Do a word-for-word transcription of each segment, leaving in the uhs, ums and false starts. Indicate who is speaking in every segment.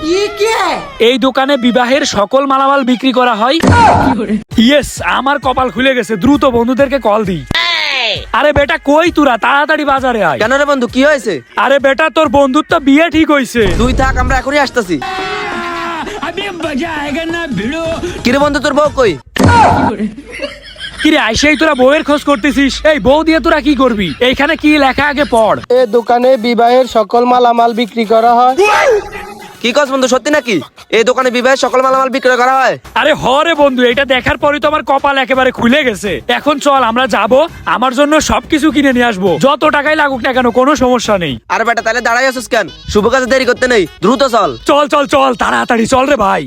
Speaker 1: এই দোকানে বিবাহের সকল মালামাল বিক্রি করা হয়। ইয়েস, আমার কপাল খুলে গেছে, দ্রুত বন্ধুদেরকে কল দিই। আরে বেটা কই তোরা, তাড়াতাড়ি বাজারে আয়।
Speaker 2: কেন রে বন্ধু, কি হয়েছে?
Speaker 1: আরে বেটা তোর বন্ধুর তো বিয়ে ঠিক হইছে।
Speaker 2: তুই থাক, আমরা এখনই আসতেছি। কিরে বন্ধু, তোর বউ কই?
Speaker 1: কিরে আইসেই তোরা বউয়ের খোঁজ করতেছিস? এই বউ দিয়ে তোরা কি করবি? এইখানে কি লেখা আগে পড়।
Speaker 3: এই দোকানে বিবাহের সকল মালামাল বিক্রি করা হয়।
Speaker 2: কি কস বন্ধু, সত্যি নাকি এই দোকানে বিবাহের সকল মালামাল বিক্রয় করা হয়?
Speaker 1: আরে হরে বন্ধু, এটা দেখার পরে তো আমার কপাল একেবারে খুলে গেছে। এখন চল আমরা যাব, আমার জন্য সবকিছু কিনে নিয়ে আসবো, যত টাকাই লাগুক না কেন, কোনো সমস্যা নেই।
Speaker 2: আরে বেটা তাহলে দাঁড়াই আছিস কেন? শুভ কাজে দেরি করতে নেই, দ্রুত চল।
Speaker 1: চল চল চল তাড়াতাড়ি চল রে ভাই।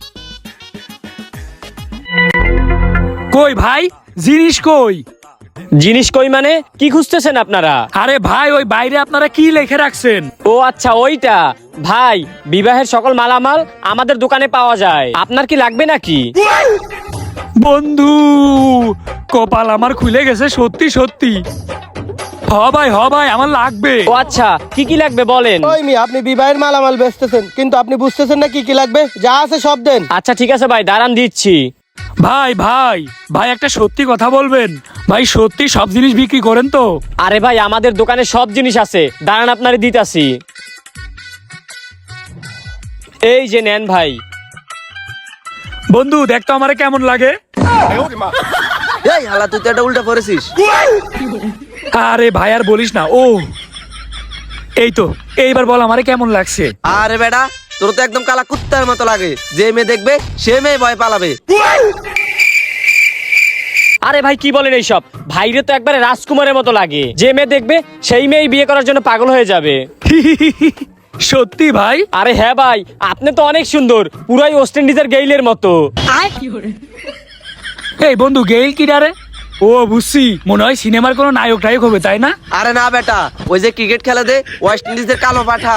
Speaker 1: কই ভাই, জিনিস কই?
Speaker 4: জিনিস কই মানে কি খুঁজতেছেন আপনারা?
Speaker 1: আরে ভাই ওই বাইরে আপনারা কি লিখে রাখছেন?
Speaker 4: ও আচ্ছা ওইটা। ভাই বিবাহের সকল মালামাল আমাদের দোকানে পাওয়া যায়, আপনার কি লাগবে নাকি?
Speaker 1: বন্ধু কপাল আমার খুলে গেছে, সত্যি সত্যি। হ ভাই হ ভাই, আমার লাগবে।
Speaker 4: ও আচ্ছা, কি কি লাগবে বলেন।
Speaker 3: ওই মি, আপনি বিবাহের মালামাল বেচতেছেন কিন্তু আপনি বুঝতেছেন না কি কি লাগবে। যা আছে সব দেন।
Speaker 4: আচ্ছা ঠিক আছে ভাই, দাঁড়ান দিচ্ছি।
Speaker 1: ভাই ভাই ভাই একটা সত্যি কথা বলবেন ভাই, সত্যি সব জিনিস বিক্রি করেন তো?
Speaker 4: আরে ভাই আমাদের দোকানে সব জিনিস আছে, দাঁড়ান আপনারে দিতাছি। এই যে নেন ভাই।
Speaker 1: বন্ধু দেখ তো আমারে কেমন লাগে।
Speaker 2: এই হালা, তুই তো এটা উল্টা পড়েছিস।
Speaker 1: আরে ভাই আর বলিস না। ও এই তো, এইবার বল আমারে কেমন লাগছে।
Speaker 2: আরে বেটা তোর তো একদম কালা কুত্তার মতো লাগে, যে মেয়ে দেখবে সে মেয়ে ভয় পালাবে।
Speaker 4: আরে ভাই কি বলেন এইসব? ভাইরে তো একবারে রাজকুমারের মতো লাগে, যে মেয়ে দেখবে সেই মেয়ে বিয়ে করার জন্য পাগল হয়ে যাবে।
Speaker 1: সত্যি ভাই?
Speaker 4: আরে হ্যাঁ ভাই, আপনি তো অনেক সুন্দর, পুরাই ওয়েস্ট ইন্ডিজের গেইলের মতো।
Speaker 1: এই বন্ধু গেইল কি রে? ও বুঝছি, মনে হয় সিনেমার কোনো নায়ক টায়ক হবে, তাই না?
Speaker 2: আরে না বেটা, ওই যে ক্রিকেট খেলা দে ওয়েস্ট ইন্ডিজের কালো পাঠা।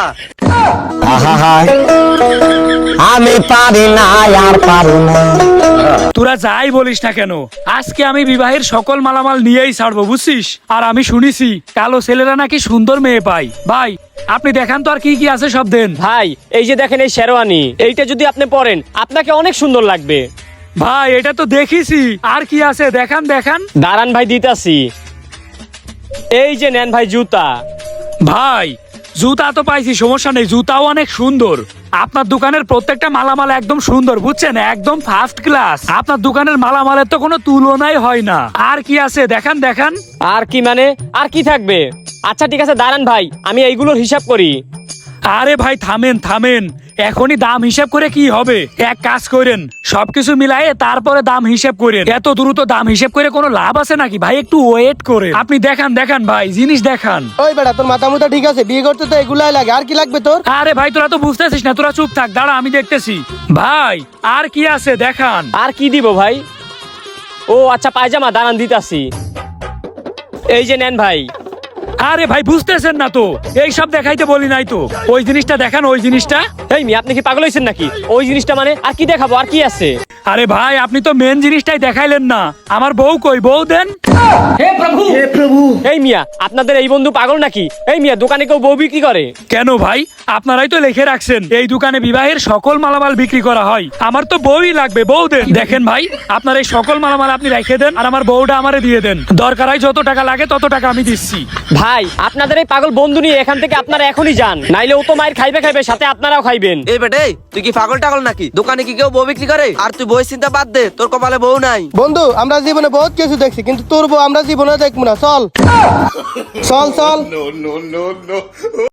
Speaker 5: আমি পারি না আর পারি না।
Speaker 1: তোরা যাই বলিস না কেন, আজকে আমি বিবাহের সকল মালামাল নিয়েই ছাড়বো, বুঝছিস? আর আমি শুনেছি কালো ছেলেরা নাকি সুন্দর মেয়ে পায়। ভাই আপনি দেখান তো আর কি কি আছে সব দেন।
Speaker 4: ভাই এই যে দেখেন এই শেরওয়ানি, এইটা যদি আপনি পরেন আপনাকে অনেক সুন্দর লাগবে।
Speaker 1: ভাই এটা তো দেখিছি, আর কি আছে দেখান দেখান।
Speaker 4: দাঁড়ান ভাই দিতাছি। এই যে নেন ভাই জুতা।
Speaker 1: ভাই জুতা তো পাইছি, সমস্যা নেই, জুতাও অনেক সুন্দর। আপনার দোকানের প্রত্যেকটা মালামাল একদম সুন্দর, বুঝছেন, একদম ফার্স্ট ক্লাস। আপনার দোকানের মালামালের তো কোনো তুলনাই হয় না। আর কি আছে দেখান দেখান।
Speaker 4: আর কি মানে, আর কি থাকবে? আচ্ছা ঠিক আছে দাঁড়ান ভাই, আমি এইগুলোর হিসাব করি।
Speaker 1: আরে ভাই থামেন থামেন, এখনই দাম হিসাব করে কি হবে? এক কাজ করেন, সবকিছু মিলায়ে তারপরে দাম হিসাব করেন। এত দ্রুত দাম হিসাব করে কোনো লাভ আছে নাকি ভাই? একটু ওয়েট করে আপনি দেখান দেখান ভাই, জিনিস দেখান।
Speaker 3: ওই বেটা, তোর মাথা মুথা ঠিক আছে? বিয়ে করতে তো এগুলাই লাগে, আর কি লাগবে তোর?
Speaker 1: আরে ভাই তোরা তো বুঝতেছিস না, তোরা চুপ থাক, দাঁড়া আমি দেখতেছি। ভাই আর কি আছে দেখান।
Speaker 4: আর কি দিব ভাই? ও আচ্ছা পায়জামা, দাঁড়ান দিতাছি। এই যে নেন ভাই।
Speaker 1: আরে ভাই বুঝতেছেন না তো, এই সব দেখাইতে বলি নাই তো। ওই জিনিসটা দেখান, ওই জিনিসটা।
Speaker 4: এই মি, আপনি কি পাগল হয়েছেন নাকি? ওই জিনিসটা মানে আর কি দেখাবো, আর কি আছে?
Speaker 1: আরে ভাই আপনি তো মেন জিনিসটাই দেখাইলেন না। আমার বউ কই, বউ দেন।
Speaker 4: এই মিয়া, আপনাদের এই বন্ধু পাগল নাকি? এই মিয়া, দোকানে কেউ বউ বিক্রি করে?
Speaker 1: কেন ভাই, আপনারাই তো লিখে রাখছেন এই দোকানে বিবাহের সকল মালামাল বিক্রি করা হয়। আমার তো বউই লাগবে, বউ দেন। দেখেন ভাই, আপনার এই সকল মালামাল আপনি রেখে দেন, আর আমার বউটা আমারে দিয়ে দেন। দরকার হয় যত টাকা লাগে তত টাকা আমি দিচ্ছি।
Speaker 4: ভাই আপনাদের এই পাগল বন্ধু নিয়ে এখান থেকে আপনারা এখনই যান, নাইলে ও তো মায়ের খাইবে খাইবে, সাথে আপনারাও খাইবেন।
Speaker 2: এই বেটে তুই কি পাগল টাগল নাকি? দোকানে কি কেউ বউ বিক্রি করে? আর তুই বই চিন্তা বাদ দে, তোর কপালে বউ নাই।
Speaker 3: বন্ধু আমরা জীবনে বহুত কিছু দেখছি, কিন্তু তোর বউ আমরা জীবনে দেখবো না। চল চল চল।